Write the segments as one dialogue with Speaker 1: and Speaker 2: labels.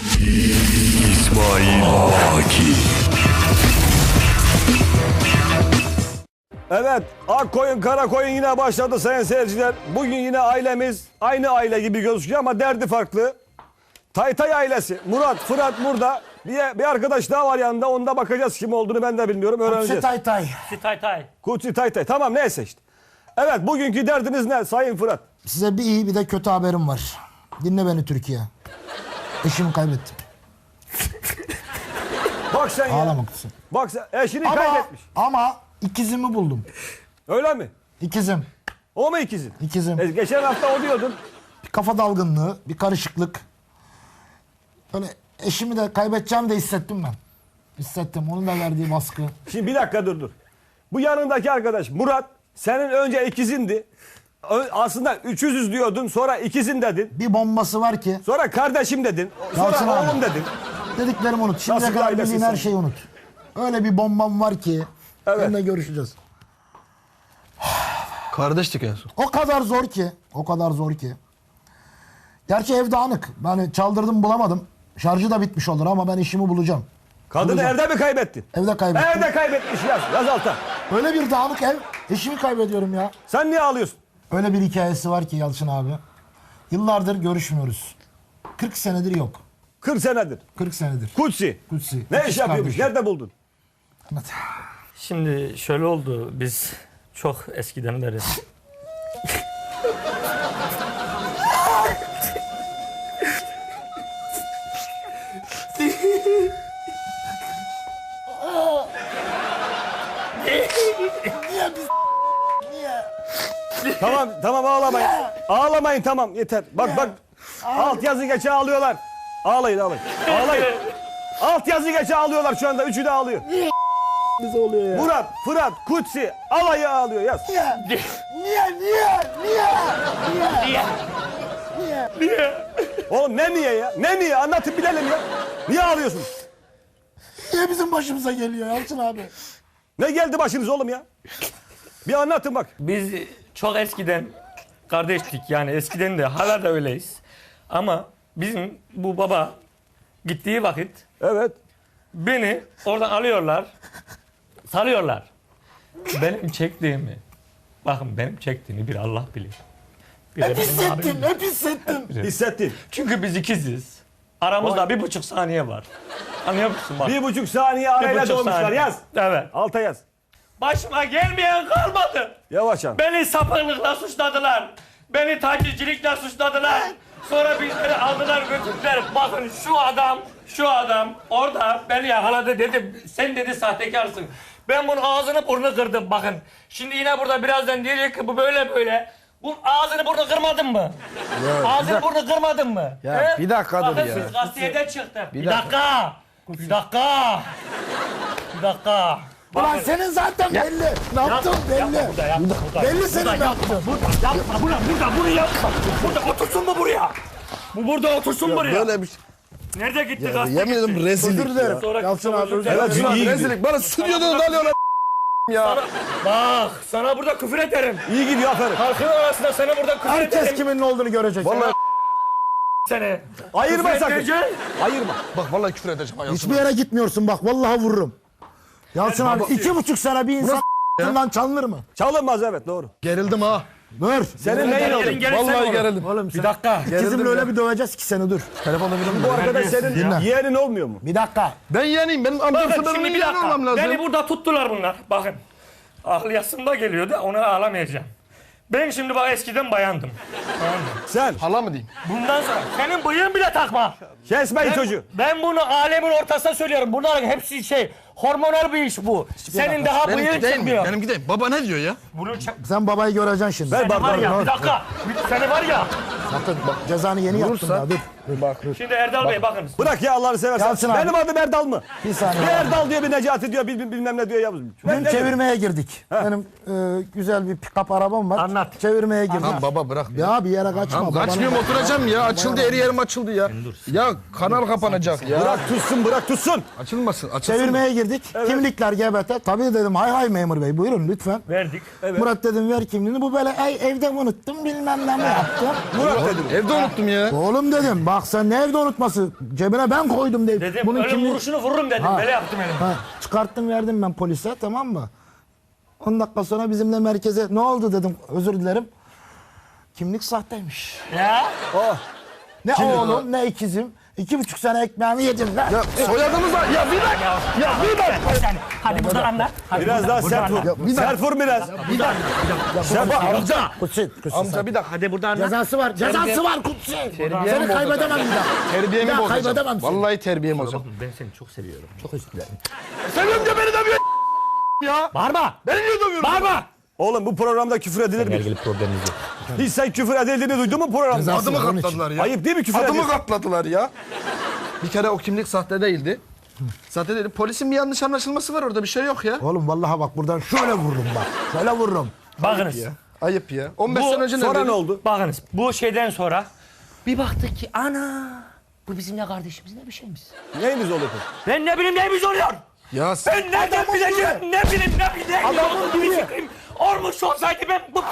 Speaker 1: İsmail Aki.
Speaker 2: Evet, ak koyun kara koyun yine başladı sayın seyirciler. Bugün yine ailemiz aynı aile gibi gözüküyor ama derdi farklı. Taytay ailesi. Murat, Fırat burada. Bir arkadaş daha var yanında. Onda bakacağız kim olduğunu ben de bilmiyorum. Öğreneceğiz.
Speaker 3: Taytay.
Speaker 4: Taytay.
Speaker 2: Kutsi Taytay. Tamam neyse işte. Evet bugünkü derdiniz ne sayın Fırat?
Speaker 3: Size bir iyi bir de kötü haberim var. Dinle beni Türkiye. Eşimi kaybettim.
Speaker 2: Bak sen ya.
Speaker 3: Ağlama kızım.
Speaker 2: Bak sen eşini kaybetmiş.
Speaker 3: Ama ikizimi buldum.
Speaker 2: Öyle mi?
Speaker 3: İkizim.
Speaker 2: O mu ikizin?
Speaker 3: İkizim.
Speaker 2: Geçen hafta o diyordun.
Speaker 3: Bir kafa dalgınlığı, bir karışıklık. Böyle eşimi de kaybedeceğim de hissettim ben. Hissettim. Onun da verdiği baskı.
Speaker 2: Şimdi bir dakika dur. Bu yanındaki arkadaş Murat senin önce ikizindi. Aslında 300 diyordun sonra ikizin dedin.
Speaker 3: Bir bombası var ki.
Speaker 2: Sonra kardeşim dedin. Sonra
Speaker 3: Yalçın abi.
Speaker 2: oğlum dedin.
Speaker 3: Dediklerimi unut. Şimdiye
Speaker 2: Nasıl bir
Speaker 3: kadar
Speaker 2: ailesin
Speaker 3: bildiğin her
Speaker 2: sen?
Speaker 3: şeyi unut. Öyle bir bombam var ki.
Speaker 2: Evet.
Speaker 3: Seninle görüşeceğiz.
Speaker 5: Kardeştik en son.
Speaker 3: O kadar zor ki. O kadar zor ki. Gerçi ev dağınık. Yani çaldırdım bulamadım. Şarjı da bitmiş olur ama ben işimi bulacağım.
Speaker 2: Kadını
Speaker 3: Bulacağım.
Speaker 2: evde mi kaybettin?
Speaker 3: Evde kaybettim.
Speaker 2: Evde kaybetmiş yaz alta.
Speaker 3: Öyle bir dağınık ev. Eşimi kaybediyorum ya.
Speaker 2: Sen niye ağlıyorsun?
Speaker 3: Öyle bir hikayesi var ki Yalçın abi. Yıllardır görüşmüyoruz. 40 senedir yok.
Speaker 2: 40 senedir.
Speaker 3: 40 senedir.
Speaker 2: Kutsi.
Speaker 3: Kutsi.
Speaker 2: Ne
Speaker 3: İkiz
Speaker 2: iş yapıyormuş?
Speaker 3: kardeşim.
Speaker 2: Nerede buldun?
Speaker 3: Anlat.
Speaker 4: Şimdi şöyle oldu. Biz çok eskiden beri.
Speaker 2: Tamam ağlamayın. Ağlamayın tamam yeter. Bak alt yazı geçe ağlıyorlar. Ağlayın. Ağlayın. Alt yazı geçe ağlıyorlar şu anda. Üçü de ağlıyor.
Speaker 3: Bize oluyor ya.
Speaker 2: Murat, Fırat, Kutsi alayı ağlıyor yaz. Oğlum ne niye ya? Ne niye? Anlatın bilelim ya. Niye ağlıyorsun?
Speaker 3: Niye bizim başımıza geliyor Yalçın abi?
Speaker 2: Ne geldi başınız oğlum ya? Bir anlatın bak.
Speaker 4: Biz çok eskiden kardeştik yani eskiden de hala da öyleyiz. Ama bizim bu baba gittiği vakit
Speaker 2: Evet.
Speaker 4: beni oradan alıyorlar, salıyorlar. Benim çektiğimi, bakın benim çektiğimi bir Allah bilir. Bir de
Speaker 3: Hep
Speaker 4: benim abim
Speaker 3: hissettim,
Speaker 4: bilir.
Speaker 3: hep hissettim.
Speaker 2: Hissettin.
Speaker 4: Çünkü biz ikiziz. Aramızda 1,5 saniye var. Anlıyor musun bak?
Speaker 2: 1,5 saniye arayla
Speaker 4: 1,5
Speaker 2: doğmuşlar
Speaker 4: saniye.
Speaker 2: yaz.
Speaker 4: Evet.
Speaker 2: Alta yaz.
Speaker 4: Başıma gelmeyen kalmadı.
Speaker 2: Yavaş an.
Speaker 4: Beni sapıklıkla suçladılar. Beni tacizcilikle suçladılar. Sonra bizleri aldılar götürdüler. Bakın şu adam orada beni yakaladı dedim. Sen dedi sahtekarsın. Ben bunun ağzını burnunu kırdım bakın. Şimdi yine burada birazdan diyecek ki bu böyle. Bu ağzını burnunu kırmadın mı? Ağzını burnunu kırmadın mı?
Speaker 5: Ya, bir dakika dur
Speaker 4: bakın
Speaker 5: ya.
Speaker 4: siz gazeteden çıktı. Bir dakika.
Speaker 3: Ulan senin zaten belli. Ne yaptın belli. Belli senin ne yaptın.
Speaker 4: Yapma bunu yapma. Burada otursun mu buraya? Bu burada otursun buraya.
Speaker 5: Böyle bir şey.
Speaker 4: Nerede gitti
Speaker 5: Ya,
Speaker 4: gazete?
Speaker 5: yemin ederim rezillik
Speaker 3: Özür dilerim.
Speaker 5: ya.
Speaker 4: Sonra
Speaker 3: Yalçın abi özür
Speaker 2: Evet,
Speaker 3: dilerim.
Speaker 2: iyi gidiyor.
Speaker 5: Rezillik. Bana stüdyodan alıyorlar ya.
Speaker 4: Bak sana burada küfür ederim.
Speaker 2: İyi gidiyor aferin.
Speaker 4: Halkın arasında sana burada küfür
Speaker 3: Herkes
Speaker 4: ederim.
Speaker 3: kimin ne olduğunu görecek.
Speaker 5: Vallahi
Speaker 4: Seni.
Speaker 2: Ayırma
Speaker 4: Küfür
Speaker 2: sakın.
Speaker 4: edeceğim.
Speaker 2: Ayırma.
Speaker 5: bak vallahi küfür edeceğim. Ayasın.
Speaker 3: Hiçbir yere gitmiyorsun bak vallahi vururum. Yalçın abi 2,5 sene bir insan bundan çalınır mı?
Speaker 2: Çalınmaz evet doğru.
Speaker 5: Gerildim ha.
Speaker 3: Dur.
Speaker 2: Senin neyin oldu?
Speaker 5: Vallahi gerildim.
Speaker 3: Oğlum
Speaker 4: Bir dakika.
Speaker 3: İkizimle öyle bir döveceğiz ki seni dur.
Speaker 5: Telefonu verir
Speaker 2: Bu arkadaş senin
Speaker 3: Dinle.
Speaker 2: yeğenin olmuyor mu?
Speaker 3: Bir dakika.
Speaker 5: Ben yeniyim. Benim amcamsa
Speaker 4: Bakın
Speaker 5: benim
Speaker 4: şimdi bir
Speaker 5: yeğen olmam
Speaker 4: dakika.
Speaker 5: lazım.
Speaker 4: Beni burada tuttular bunlar. Bakın. Aklı yasımda geliyor da ona ağlamayacağım. Ben şimdi bak eskiden bayandım.
Speaker 2: Sen
Speaker 5: Hala mı diyeyim?
Speaker 4: Bundan sonra senin bıyığın bile takma.
Speaker 2: kesmeyin çocuğu.
Speaker 4: Ben bunu alemin ortasına söylüyorum. Bunların hepsi hormonal bir iş bu. Senin daha bıyığın
Speaker 5: Benimki değil mi?
Speaker 4: çıkmıyor.
Speaker 5: Benimki değil. Baba ne diyor ya?
Speaker 4: Bunu
Speaker 3: Sen babayı göreceksin şimdi.
Speaker 2: Ver
Speaker 4: Seni var
Speaker 2: bardağı.
Speaker 4: ya bir dakika. Seni var ya.
Speaker 3: Sakın bak cezanı yeni yaptın
Speaker 5: Vurursa-
Speaker 3: ya dur. Dur bak dur.
Speaker 4: Şimdi Erdal Bey bakın.
Speaker 2: Bırak ya Allah'ını seversen.
Speaker 3: Yalçın abi.
Speaker 2: Benim adım Erdal mı?
Speaker 3: Bir saniye.
Speaker 2: Bir Erdal diyor bir Necati diyor bilmem ne diyor Yavuz.
Speaker 3: Dün çevirmeye girdik. Benim güzel bir pick-up arabam var.
Speaker 4: Anlat.
Speaker 3: Çevirmeye girdik.
Speaker 5: Tamam baba bırak.
Speaker 3: Ya bir yere kaçma.
Speaker 5: Tamam
Speaker 3: babanın-
Speaker 5: kaçmıyorum oturacağım ya. Açıldı her yerim açıldı ya. Ya kanal kapanacak ya.
Speaker 2: Bırak tutsun.
Speaker 5: Açılmasın. Açılsın.
Speaker 3: Çevirmeye girdik. Kimlikler GB. Tabii dedim hay memur bey buyurun lütfen.
Speaker 4: Verdik.
Speaker 3: Murat dedim ver kimliğini. Bu böyle evde mi unuttum bilmem ne mi yaptım.
Speaker 2: Murat dedim.
Speaker 5: Evde unuttum ya.
Speaker 3: Oğlum dedim Bak sen nerede unutması? Cebine ben koydum diye.
Speaker 4: Dedim ölüm vuruşunu vururum dedim.
Speaker 3: Ha.
Speaker 4: Böyle yaptım elim.
Speaker 3: Ha, çıkarttım verdim ben polise, tamam mı? 10 dakika sonra bizimle merkeze ne oldu dedim, özür dilerim. Kimlik sahteymiş.
Speaker 4: Ya.
Speaker 2: Oh.
Speaker 3: Ne oğlum ne ikizim. 2,5 sene ekmeğimi yedim lan.
Speaker 5: Ya soyadımız var. Ya bir dakika. Ya bir dakika.
Speaker 4: Hadi buradan anlat. Hadi
Speaker 2: Biraz daha sert vur.
Speaker 5: bir dakika.
Speaker 2: Sert vur biraz.
Speaker 5: Amca.
Speaker 3: Kutsi.
Speaker 5: Amca bir dakika.
Speaker 4: Hadi buradan anlat.
Speaker 3: Cezası var. Cezası var Kutsi.
Speaker 5: Terbiyemi
Speaker 3: Seni
Speaker 5: bozacağım.
Speaker 3: kaybedemem bir daha.
Speaker 5: Terbiyemi
Speaker 3: Bir daha
Speaker 5: bozacağım.
Speaker 3: kaybedemem seni.
Speaker 5: Vallahi terbiyemi bozacağım.
Speaker 4: Ben seni çok seviyorum. Çok özür dilerim.
Speaker 5: Seviyorum da beni dövüyor ya.
Speaker 4: Bağırma.
Speaker 5: Beni niye dövüyorsun?
Speaker 4: Bağırma.
Speaker 2: Oğlum bu programda küfür edilir mi?
Speaker 4: ilgili problemimiz yok.
Speaker 2: Hiç sen küfür edildiğini duydun mu programda?
Speaker 3: Cezası
Speaker 5: Adımı
Speaker 3: var onun için.
Speaker 5: katladılar ya.
Speaker 2: Ayıp değil mi küfür
Speaker 5: Adımı
Speaker 2: ediyorsun?
Speaker 5: katladılar ya. Bir kere o kimlik sahte değildi. Sahte değildi. Polisin bir yanlış anlaşılması var orada, bir şey yok ya.
Speaker 3: Oğlum vallahi bak buradan şöyle vururum bak. Şöyle vururum.
Speaker 4: Bakınız.
Speaker 5: Ayıp ya. 15
Speaker 4: Bu
Speaker 5: sene önce
Speaker 2: Sonra
Speaker 5: neredeydi?
Speaker 2: ne oldu?
Speaker 4: Bakınız bu şeyden sonra bir baktık ki ana bu bizim ne kardeşimiz ne bir şeyimiz.
Speaker 2: Neyimiz oluyor?
Speaker 4: Ben ne bileyim neyimiz oluyor.
Speaker 5: Ya sen...
Speaker 4: Ben nereden bileceğim ne bileyim ne bileyim.
Speaker 3: Adamın
Speaker 4: bir
Speaker 3: biri.
Speaker 4: fikrim olmuş olsaydı ben bu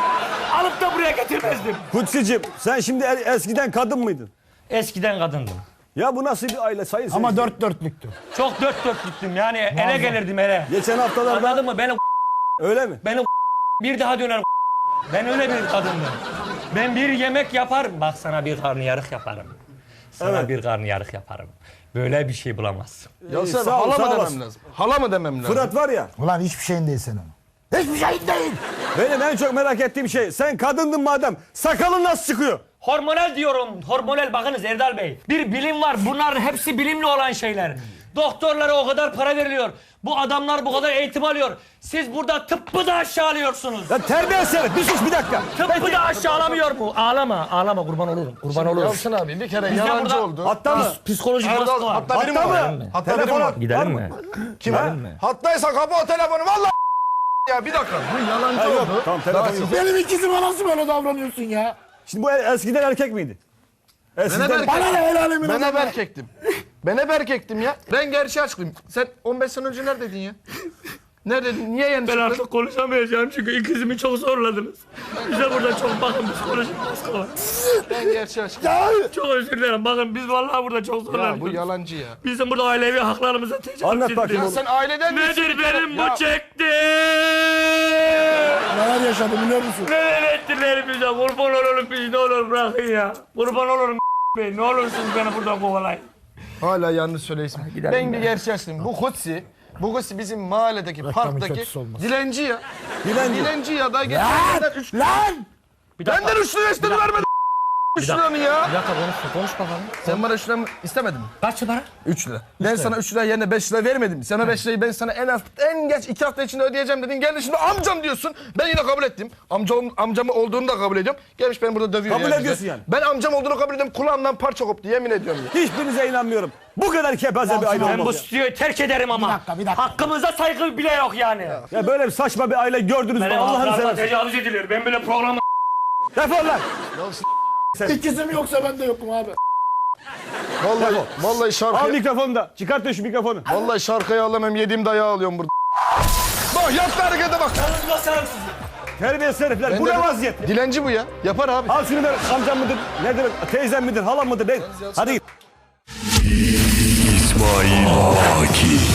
Speaker 4: alıp da buraya getirmezdim.
Speaker 2: Kutsi'cim sen şimdi eskiden kadın mıydın?
Speaker 4: Eskiden kadındım.
Speaker 2: Ya bu nasıl bir aile sayın
Speaker 3: Ama
Speaker 2: seyirciler?
Speaker 3: 4-4'lüktü.
Speaker 4: Çok dört dörtlüktüm yani ele gelirdim ele.
Speaker 2: Geçen haftalarda
Speaker 4: Anladın mı?
Speaker 2: öyle mi?
Speaker 4: Beni bir daha döner. Ben öyle bir kadındım. Ben bir yemek yaparım. Bak sana bir karnıyarık yaparım. Sana
Speaker 2: Evet.
Speaker 4: bir karnıyarık yaparım. Böyle bir şey bulamazsın.
Speaker 5: Ya sen
Speaker 2: Sağ ol,
Speaker 5: hala
Speaker 2: sağ
Speaker 5: mı
Speaker 2: olasın.
Speaker 5: demem lazım? Hala mı demem lazım?
Speaker 2: Fırat var ya,
Speaker 3: Ulan hiçbir şeyin değil senin. Hiçbir şeyin değil.
Speaker 2: benim en çok merak ettiğim şey, sen kadındın madem, sakalın nasıl çıkıyor?
Speaker 4: Hormonal diyorum. Hormonal bakınız Erdal Bey. Bir bilim var. Bunların hepsi bilimli olan şeyler. Doktorlara o kadar para veriliyor. Bu adamlar bu kadar eğitim alıyor. Siz burada tıbbı da aşağılıyorsunuz.
Speaker 2: Ya terbiye seni, bir sus bir dakika.
Speaker 4: Tıbbı da aşağılamıyor mu? Ağlama, ağlama kurban olurum. Kurban olurum.
Speaker 5: Yalçın abi bir kere
Speaker 4: Biz de
Speaker 5: yalancı
Speaker 4: burada-
Speaker 5: oldu.
Speaker 2: Hatta mı?
Speaker 4: Psikolojik
Speaker 5: Erdal,
Speaker 4: baskı var.
Speaker 5: hatta biri mi
Speaker 2: Hatta
Speaker 5: var?
Speaker 2: mı?
Speaker 5: Hatta biri mi
Speaker 2: Telefon
Speaker 5: var?
Speaker 2: at.
Speaker 4: Gidelim mi?
Speaker 5: Kim ha? Hattaysa kapa o telefonu valla. Ya bir dakika. Bu yalancı
Speaker 2: Ha, yok,
Speaker 5: oldu.
Speaker 2: tamam, telefon
Speaker 5: Daha
Speaker 2: yok.
Speaker 5: siz-
Speaker 3: Benim ikizime nasıl böyle davranıyorsun ya?
Speaker 2: Şimdi bu eskiden erkek miydi?
Speaker 5: Ben hep
Speaker 2: Eskiden...
Speaker 5: erkek-
Speaker 3: Bana ne helalimin
Speaker 5: Ben hep
Speaker 3: adamı?
Speaker 5: erkektim. Ben hep erkektim ya. Ben gerçeği açıklayayım. Sen 15 sene önce neredeydin ya? Neredeydin? Niye yeni
Speaker 4: Ben
Speaker 5: çıktın?
Speaker 4: artık konuşamayacağım çünkü ikizimi çok zorladınız. Bize burada çok bakın psikolojik baskı var.
Speaker 5: Ben gerçeği açıklayayım.
Speaker 4: Çok özür dilerim. Bakın biz vallahi burada çok
Speaker 5: Ya bu
Speaker 4: zorlanıyoruz.
Speaker 5: yalancı ya.
Speaker 4: Bizim burada ailevi haklarımıza tecavüz
Speaker 2: Anlat bakayım
Speaker 4: ediliyor.
Speaker 2: oğlum.
Speaker 5: Sen aileden
Speaker 4: Nedir benim
Speaker 5: Ya-
Speaker 4: bu çekti?
Speaker 3: Neler yaşadı biliyor musun?
Speaker 4: Neler ettiler bize? Kurban olurum biz ne olur bırakın ya. Kurban olurum bey. Ne olursunuz beni buradan kovalayın.
Speaker 5: Hala yanlış söylüyorsun.
Speaker 4: gidelim
Speaker 5: Ben bir gerçeği açıklayayım. Bu Kutsi bizim mahalledeki parktaki
Speaker 3: kötüsü olmaz.
Speaker 5: dilenci ya.
Speaker 2: Dilenci.
Speaker 5: Dilenci ya da geçenlerden 3
Speaker 3: Lan!
Speaker 4: Bir dakika.
Speaker 5: Benden 3 lira istedi vermedi. 3 liranı ya.
Speaker 4: Bir dakika konuş bakalım.
Speaker 5: Sen bana 3 lira istemedin mi?
Speaker 4: Kaç para?
Speaker 5: 3 lira. Ben sana 3 lira yerine 5 lira vermedim. Sana 5 lirayı ben sana en geç 2 hafta içinde ödeyeceğim dedin. Geldin şimdi amcam diyorsun. Ben yine kabul ettim. Amcamı olduğunu da kabul ediyorum. Gelmiş beni burada dövüyor.
Speaker 2: Kabul
Speaker 5: bize.
Speaker 2: ediyorsun yani.
Speaker 5: Ben amcam olduğunu kabul ediyorum. Kulağımdan parça koptu yemin ediyorum ya.
Speaker 2: Hiçbirinize inanmıyorum. Bu kadar kepaze bir aile
Speaker 4: Ben bu
Speaker 2: olmaz ya.
Speaker 4: stüdyoyu terk ederim ama.
Speaker 3: Bir dakika.
Speaker 4: Hakkımıza saygı bile yok yani.
Speaker 2: Ya böyle bir saçma bir aile gördünüz mü?
Speaker 4: Benim
Speaker 2: Allah'ını
Speaker 4: haklarıma
Speaker 2: seversen.
Speaker 4: tecavüz ediliyor. Ben böyle programı...
Speaker 2: Defol lan.
Speaker 3: İkizim yoksa ben de yokum abi.
Speaker 5: Vallahi
Speaker 2: Al
Speaker 5: şarkıyı,
Speaker 2: mikrofonu da. Çıkart şu mikrofonu.
Speaker 5: vallahi şarkıyı alamam. Yediğim dayağı alıyorum burada. Bak yaptı harekete bak.
Speaker 4: Yalnız basarım sizi.
Speaker 2: Terbiyesiz herifler.
Speaker 5: Ben
Speaker 2: Bu
Speaker 5: de-
Speaker 2: ne vaziyet?
Speaker 5: Dilenci bu ya. Yapar abi.
Speaker 2: Al şunu ver. Amcam mıdır? Nedir? Teyzem midir? Halam mıdır? Ne? Hadi git.
Speaker 1: İsmail Aki.